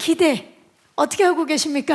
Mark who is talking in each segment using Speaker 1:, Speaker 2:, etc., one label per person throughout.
Speaker 1: 기대 어떻게 하고 계십니까?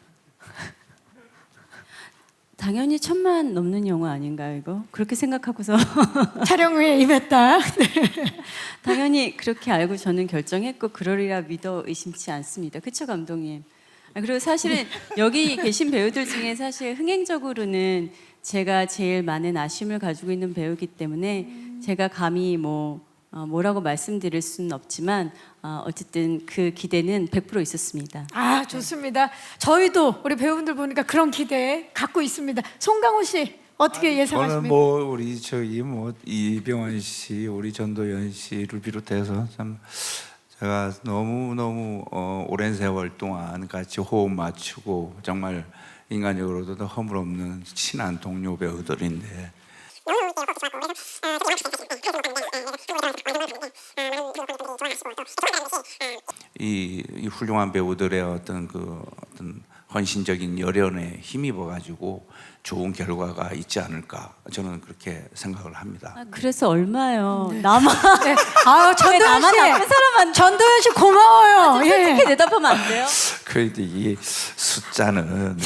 Speaker 2: 당연히 1,000만 넘는 영화 아닌가요, 이거? 그렇게 생각하고서
Speaker 1: 촬영 후에 임했다.
Speaker 2: 당연히 그렇게 알고 저는 결정했고 그러리라 믿어 의심치 않습니다. 그쵸, 감독님? 그리고 사실은 여기 계신 배우들 중에 사실 흥행적으로는 제가 제일 많은 아쉬움을 가지고 있는 배우이기 때문에 제가 감히 뭐라고 말씀드릴 수는 없지만 어쨌든 그 기대는 100% 있었습니다.
Speaker 1: 아, 좋습니다. 저희도 우리 배우분들 보니까 그런 기대 갖고 있습니다. 송강호 씨 어떻게 예상하십니까?
Speaker 3: 저는 뭐 우리 저기 뭐 이병헌 씨, 우리 전도연 씨를 비롯해서 참 제가 너무 오랜 세월 동안 같이 호흡 맞추고 정말 인간적으로도 허물없는 친한 동료 배우들인데 이 훌륭한 배우들의 어떤 헌신적인 열연에 힘입어가지고 좋은 결과가 있지 않을까 저는 그렇게 생각을 합니다.
Speaker 2: 그래서 얼마요? 나만
Speaker 1: 네. 아, 전도연
Speaker 2: 나만
Speaker 1: 씨,
Speaker 2: 나쁜 사람한테
Speaker 1: 전도연 씨 고마워요.
Speaker 2: 솔직히 대답하면 안 돼요?
Speaker 3: 그런데 이 숫자는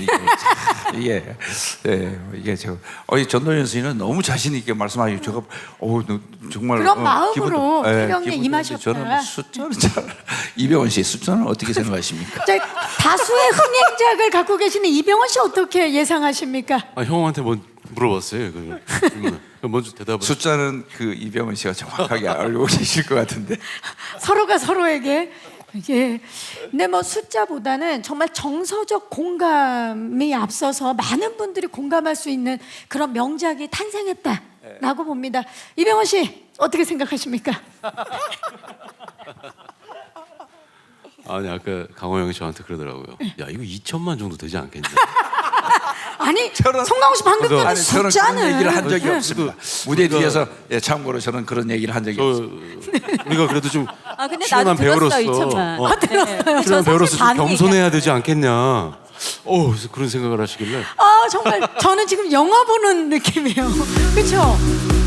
Speaker 3: 이게 저 전도연 씨는 너무 자신 있게 말씀하시고 제가 정말
Speaker 1: 그런 마음으로 촬영에
Speaker 3: 기분도
Speaker 1: 임하셨다.
Speaker 3: 저는 숫자는 잘 이병헌 씨 숫자는 어떻게 생각하십니까?
Speaker 1: 저 다수의 흥행작을 갖고 계시는 이병헌 씨 어떻게 예상하십니까?
Speaker 4: 형한테 뭐 물어봤어요. 먼저 대답을.
Speaker 3: 숫자는 그 이병헌 씨가 정확하게 알고 계실 것 같은데.
Speaker 1: 서로가 서로에게 예. 근데 뭐 숫자보다는 정말 정서적 공감이 앞서서 많은 분들이 공감할 수 있는 그런 명작이 탄생했다라고 봅니다. 이병헌 씨 어떻게 생각하십니까?
Speaker 4: 아니 아까 강호 형이 저한테 그러더라고요. 야 이거 2천만 정도 되지 않겠냐?
Speaker 1: 아니 송강호 씨 방금 전에
Speaker 3: 아니 저는
Speaker 1: 숫자는
Speaker 3: 그런 얘기를 한 적이
Speaker 1: 네.
Speaker 3: 없습니다. 무대 뒤에서 참고로 저는 그런 얘기를 한 적이 없어요.
Speaker 4: 우리가 그래도 좀
Speaker 2: 근데
Speaker 4: 출연한
Speaker 2: 나도 들었어,
Speaker 4: 배우로서
Speaker 2: 2천만.
Speaker 1: 들었어요.
Speaker 4: 출연한 배우로서 좀
Speaker 1: 반응
Speaker 4: 겸손해야 되지 않겠냐? 그래서 그런 생각을 하시길래
Speaker 1: 아 정말 저는 지금 영화 보는 느낌이에요. 그렇죠?